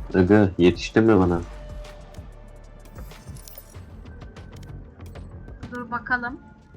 Aga yetiştin mi bana? Dur bakalım.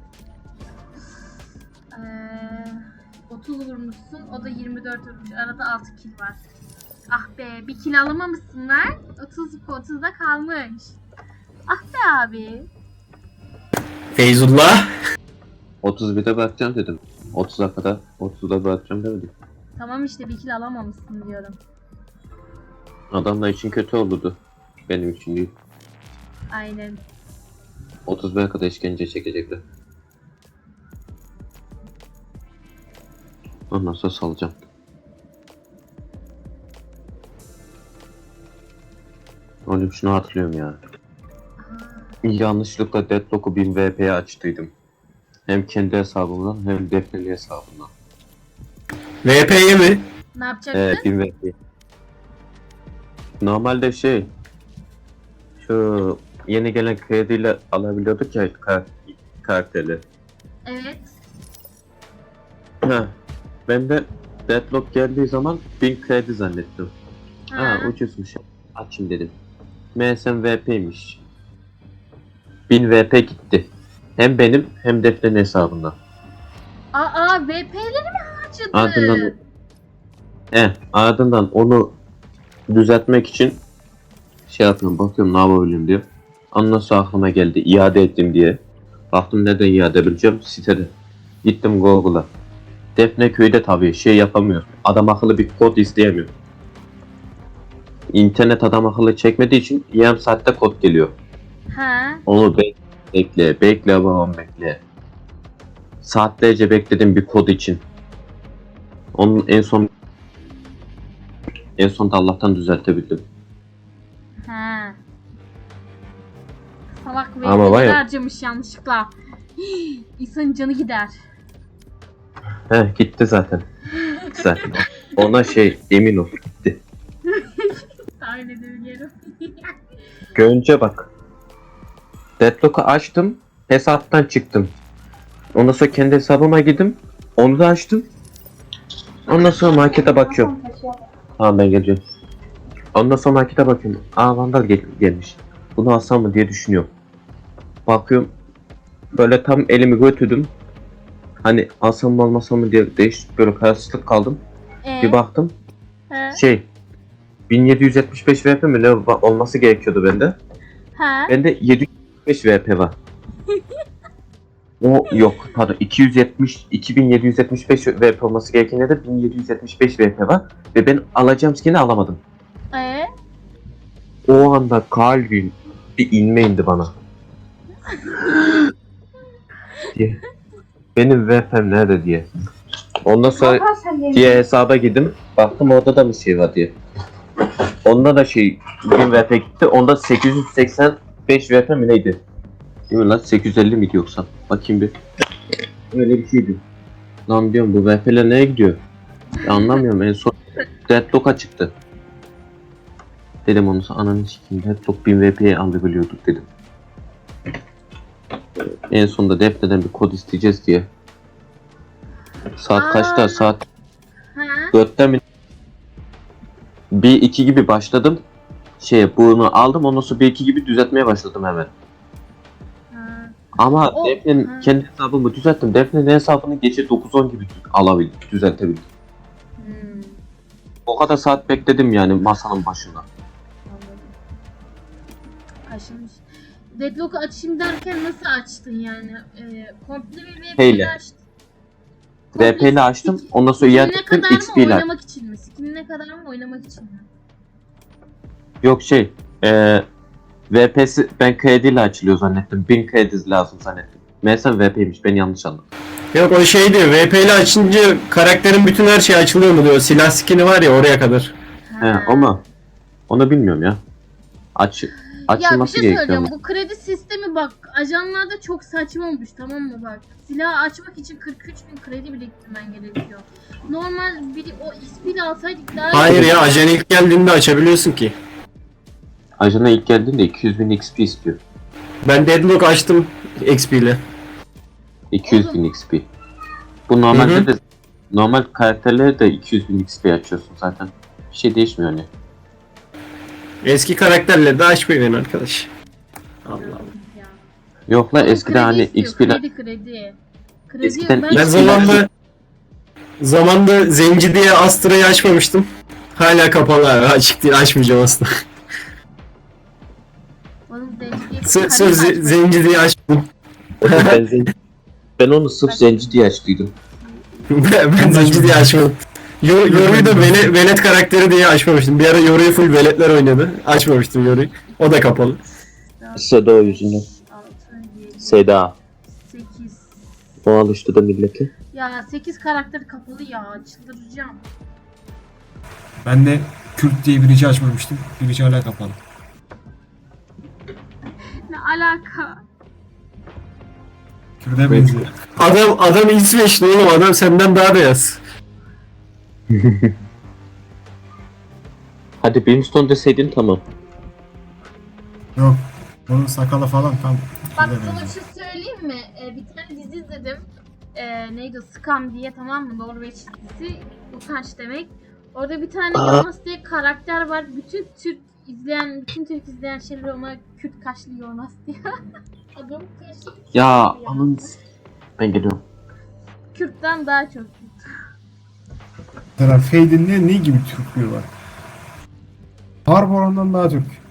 30 vurmuşsun. O da 24 vurmuş. Arada 6 kill var. Ah be, bir kill alamamışsın lan. 30'da kalmış. Ah be abi. Feyzullah. 31'de bırakacağım dedim. 30'a kadar 30'da bırakacağım demedim. Tamam işte, bir kill alamamışsın diyorum. Adamlar için kötü olurdu. Benim için değil. Aynen. 31'e kadar işkence çekecekler. Ondan sonra salacağım. Oğlum şunu hatırlıyorum ya. Yanlışlıkla Deadlock'u 1000 VP'ye açtıydım. Hem kendi hesabımdan hem Defne'li hesabımdan. VP'ye mi? Ne yapacaksın? 1000 VP. Normalde şu yeni gelen krediyle alabiliyorduk ya karakteri. Evet. Ha, ben de Deadlock geldiği zaman 1000 kredi zannettim. Ha. Ucuzmuş. Açayım dedim. MSM VP'ymiş. 1000 VP gitti. Hem benim hem Defne'nin hesabından. VP'leri mi harcadı? Ardından onu düzeltmek için yapıyorum, bakıyorum ne yapabilirim diye. Ondan sonra aklıma geldi iade ettim diye. Baktım neden iade edebileceğim sitede. Gittim Google'a. Defne köyde tabii yapamıyor. Adam akıllı bir kod isteyemiyor. İnternet adam akıllı çekmediği için yarım saatte kod geliyor. Ha. Onu bekle babam bekle. Saatlerce bekledim bir kod için. Onun en sonunda Allah'tan düzeltebildim. Ha. Salak Ama var VP'leri ya- harcamış yanlışlıkla. İnsanın canı gider. Gitti zaten. Zaten. Ona emin ol gitti. Tahmin edebiliyorum. Görünce bak. Deadlock'u açtım. Hesaptan çıktım. Ondan sonra kendi hesabıma girdim. Onu da açtım. Ondan sonra markete bakıyorum. Tamam ben geleceğim. Ondan sonra markete bakıyorum. Vandal gelmiş. Bunu alsam mı diye düşünüyorum. Bakıyorum. Böyle tam elimi götürdüm. Hani alsam mı almasam mı diye böyle kararsızlık kaldım. Bir baktım. Ha. 1775 VP mi ne olması gerekiyordu bende. Ha. Bende 775 VP var. O yok pardon 2775 VP olması gerekende de 1775 VP var ve ben alacağım skin'i alamadım. O anda kalbim bir inme indi bana. diye. Benim VP'm nerede diye. Ondan sonra diye hesaba girdim. Baktım orada da bir var diye. Onda da 1000 VP gitti. Onda 885 VP mi neydi? Değil mi lan? 850 miydi yoksa? Bakayım bir. Öyle bir şeydi. Lan diyorum bu VP'ler nereye gidiyor? Ya anlamıyorum, en son Deadlock'a çıktı. Dedim onu ananı sikeyim, Deadlock 1000 VP'ye alabiliyorduk dedim. En sonunda Defne'den bir kod isteyeceğiz diye. Saat kaçta? Saat Ha. 4'te mi? 1-2 gibi başladım. Bunu aldım, ondan sonra 1-2 gibi düzeltmeye başladım hemen. Ha. Ama O- Defne'nin ha. kendi hesabımı düzelttim. Defne'nin hesabını gece 9-10 gibi alabildim, düzeltebildim. O kadar saat bekledim yani masanın başında. Anladım. Aşılmış. Deadlock'u açayım derken nasıl açtın yani? Komple bir VP'yi Neyle? açtın. VP ile açtım, ondan sonra Skinine iade ettim, kadar mı, XP ile. oynamak için mi? Skinine kadar mı, oynamak için mi? Yok VP'si ben krediyle açılıyor zannettim. 1000 kredi lazım zannettim. Meğerse VP'ymiş, ben yanlış anladım. Yok o şey diyor. VP ile açınca karakterin bütün her şeyi açılıyor mu diyor. Silah skin'i var ya oraya kadar. Ama onu bilmiyorum ya. Ya bir Açılması şey gerekiyor söyleyeceğim. ama. Bu kredi sistemi bak ajanlarda çok saçma olmuş, tamam mı bak. Silah açmak için 43.000 kredi biriktirmen gerekiyor. Normal biri o XP'li alsaydık daha iyi. Hayır ya ajan ilk geldiğinde açabiliyorsun ki. Ajana ilk geldiğinde 200.000 XP istiyor. Ben Deadlock açtım XP ile. 200.000 XP. Bu normalde de normal karakterlere de 200.000 XP açıyorsun zaten. Bir şey değişmiyor hani. Eski karakterleri de açmayın arkadaş. Allah Allah. Ya. Yok lan eskiden Kredi hani istiyor, XP'den kredi. Kredi Eskiden ben Ben zamanında zenci diye Astra'yı açmamıştım. Hala kapalı abi. Açık değil. Açmayacağım aslında. Oğlum zenci diye bir Sırf karı açmadım. zenci diye açmadım. ben onu sırf zenci diye açtıydım. Ben zenci diye açmadım. Yoru'yu da velet karakteri diye açmamıştım. Bir ara Yoru'yu full veletler oynadı. Açmamıştım Yoru'yu. O da kapalı. Seda o yüzünden. 6, 7, Seda. 8. O alıştırdı milleti. Ya 8 karakter kapalı ya. Çıldıracağım. Ben de Kürt diye birici açmamıştım. Birici hala kapalı. Ne alaka? Kürt'e benziyor. Adam İsveçli oğlum. Adam senden daha beyaz. Hadi Brimstone deseydin tamam. Yok. Onun sakalı falan tam Bak Kürt'e sana bir benziyor. şey söyleyeyim mi? Bir tane dizi izledim. Neydi o? Scam diye, tamam mı? Norveç dizisi. Utanç demek. Orada bir tane Jonas diye karakter var. Bütün Türk izleyen şeyler ona Kürt kaşlı Jonas diyor. Adam kaşlı. Ya aman. Ben geliyorum. Kürt'ten daha çok Kürt. Mesela Fade'in ne gibi Türklüğü var? Barbaron'dan daha Türk.